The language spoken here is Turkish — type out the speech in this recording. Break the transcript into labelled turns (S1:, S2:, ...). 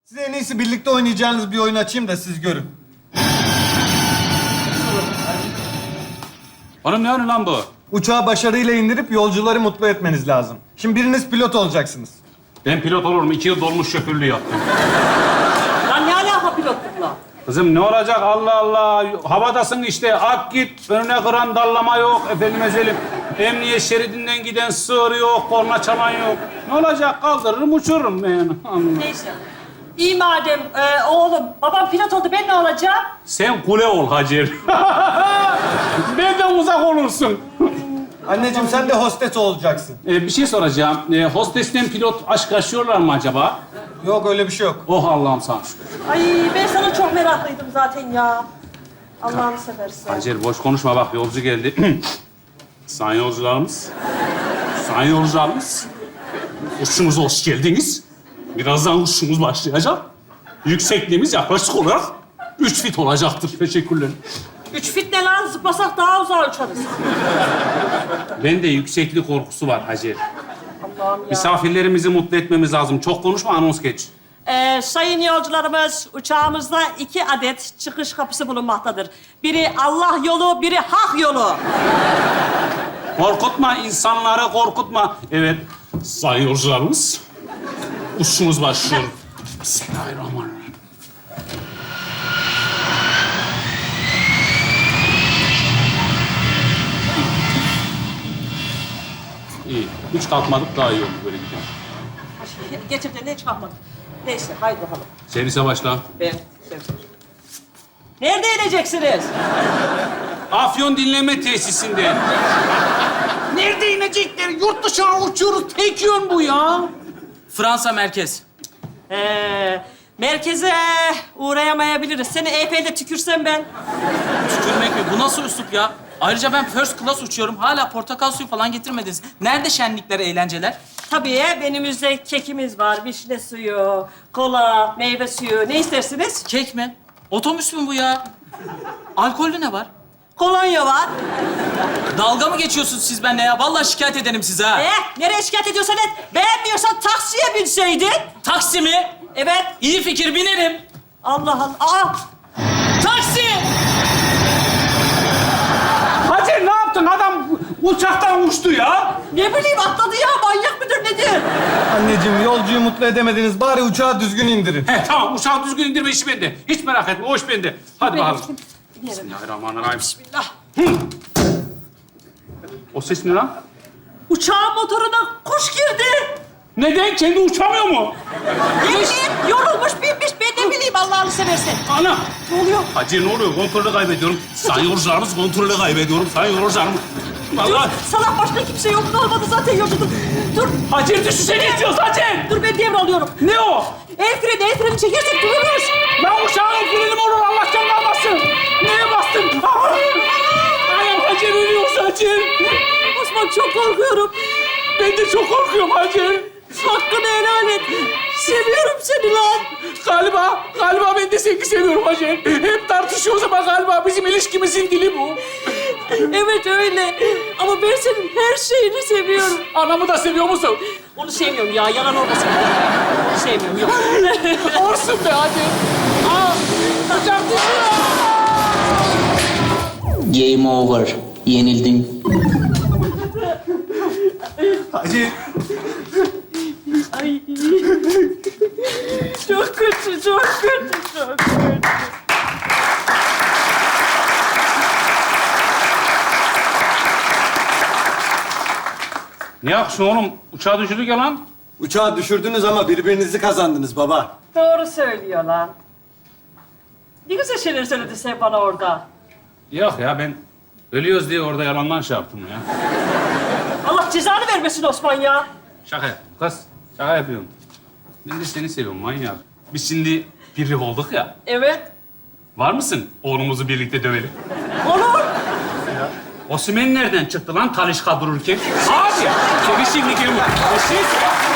S1: Size en iyisi birlikte oynayacağınız bir oyun açayım da siz görün.
S2: Oğlum ne oyunu lan bu?
S1: Uçağı başarıyla indirip yolcuları mutlu etmeniz lazım. Şimdi biriniz pilot olacaksınız.
S2: Ben pilot olurum. 2 yıl dolmuş şoförlüğü yaptım.
S3: Lan ne alaka pilotlukla?
S2: Kızım ne olacak Allah Allah. Havadasın işte. Ak git. Önüne kıran dallama yok. Efendime söyleyeyim. Emniyet şeridinden giden sığır yok. Korna çalan yok. Ne olacak? Kaldırırım uçururum ben.
S3: Neyse. İyi madem oğlum. Babam pilot oldu. Ben ne olacağım?
S2: Sen kule ol Hacer. Benden uzak olursun.
S1: Anneciğim sen de hostes olacaksın.
S2: Bir şey soracağım. Hostesten pilot aşk yaşıyorlar mı acaba?
S1: Yok öyle bir şey yok.
S2: Oh Allah'ım sana şükür.
S3: Ay ben sana çok meraklıydım zaten ya. Allah'ını seversen.
S2: Hacer boş konuşma bak yolcu geldi. Sayın yolcularımız. Sayın yolcularımız. Uçuşumuza hoş geldiniz. Birazdan uçuşumuz başlayacak. Yüksekliğimiz yaklaşık olarak 3 fit olacaktır. Teşekkürler.
S3: 3 fit ne lan? Zıplasak daha uzağa uçarız.
S2: Bende yükseklik korkusu var Hacer.
S3: Allah'ım ya.
S2: Misafirlerimizi mutlu etmemiz lazım. Çok konuşma, anons geç.
S3: Sayın yolcularımız, uçağımızda 2 adet çıkış kapısı bulunmaktadır. Biri Allah yolu, biri hak yolu.
S2: Korkutma, insanları korkutma. Evet, sayın yolcularımız. Uçuşumuz başlıyor. Bismillahirrahmanirrahim. İyi. Hiç kalkmadık daha iyi oldu böyle gidiyor.
S3: Getir de ne çıkartmadık. Neyse, haydi bakalım.
S2: Servise başla.
S3: Ben. Nerede ineceksiniz?
S2: Afyon dinleme tesisinde. Nerede inecekler? Yurt dışına uçuyoruz. Tek yön bu ya.
S4: Fransa merkez.
S3: Merkeze uğrayamayabiliriz. Seni EP'de tükürsem ben.
S4: Tükürmek mi? Bu nasıl üslup ya? Ayrıca ben first class uçuyorum. Hala portakal suyu falan getirmediniz. Nerede şenlikler, eğlenceler?
S3: Tabii menümüzde kekimiz var, vişne suyu, kola, meyve suyu. Ne istersiniz?
S4: Kek mi? Otobüs mü bu ya? Alkollü ne var?
S3: Kolonya var.
S4: Dalga mı geçiyorsunuz siz benimle ya? Vallahi şikayet ederim size ha.
S3: Nereye şikayet ediyorsan et. Beğenmiyorsan taksiye binseydin.
S4: Taksi mi?
S3: Evet.
S4: İyi fikir, binerim.
S3: Allah Allah. Aa!
S4: Taksi!
S2: Hacer ne yaptın? Adam uçaktan uçtu ya.
S3: Ne bileyim atladı ya. Manyak mıdır nedir?
S1: Anneciğim yolcuyu mutlu edemediniz. Bari uçağı düzgün indirin.
S2: He tamam, uçağı düzgün indirme işi bende. Hiç merak etme, o iş bende. Hadi bakalım.
S3: Binerim.
S2: Bismillahirrahmanirrahim.
S3: Bismillah.
S2: O ses ne lan?
S3: Uçağın motoruna kuş girdi.
S2: Neden? Kendi uçamıyor mu?
S3: Ne bileyim yorulmuş binmiş. Ben ne bileyim Allah'ını seversen.
S2: Ana!
S3: Ne oluyor?
S2: Hacı ne oluyor? Kontrolü kaybediyorum. Sayın yolcularımız kontrolü kaybediyorum. Sayın yolcularımız. Vallahi.
S3: Salak başka kimse yok. Ne olmadı zaten yolculuk. Dur.
S2: Hacı düşünsene istiyoruz Hacı.
S3: Dur ben devralıyorum.
S2: Ne o?
S3: El freni çekersek dururuz.
S2: Ben uçağın frenim olur Allah'tan kalmasın. Neye bastın? Ayağım Hacı ölüyor Hacı.
S3: Osman çok korkuyorum.
S2: Ben de çok korkuyorum Hacı.
S3: Hakkını helal et. Seviyorum seni lan.
S2: Galiba ben de seni seviyorum Hacı. Hep tartışıyoruz ama galiba bizim ilişkimizin dili bu.
S3: Evet öyle. Ama ben senin her şeyini seviyorum.
S2: Anamı da seviyor musun?
S3: Onu sevmiyorum ya. Yalan olmasın. Onu sevmiyorum. Yok.
S2: Olsun be Hacı. Uçak düşüyor.
S5: Game over. Yenildin.
S1: Hacı
S3: Ay. Çok kötü, çok kötü, çok kötü.
S2: Ne yapsın oğlum? Uçağı düşürdük ya lan.
S1: uçağı düşürdünüz ama birbirinizi kazandınız baba.
S3: Doğru söylüyor lan. Ne güzel şeyler söyledi sen bana orada.
S2: Yok ya ben ölüyoruz diye orada yalandan şey yaptım ya.
S3: Allah cezanı vermesin Osman ya.
S2: Şaka yaptım kız. Şaka yapıyorum. Ben de seni seviyorum manyak. Biz şimdi birlik olduk ya.
S3: Evet.
S2: Var mısın? Oğlumuzu birlikte dövelim.
S3: Olur.
S2: Osimhen nereden çıktı lan Talişka dururken? Abi! Seni şimdi geliyor.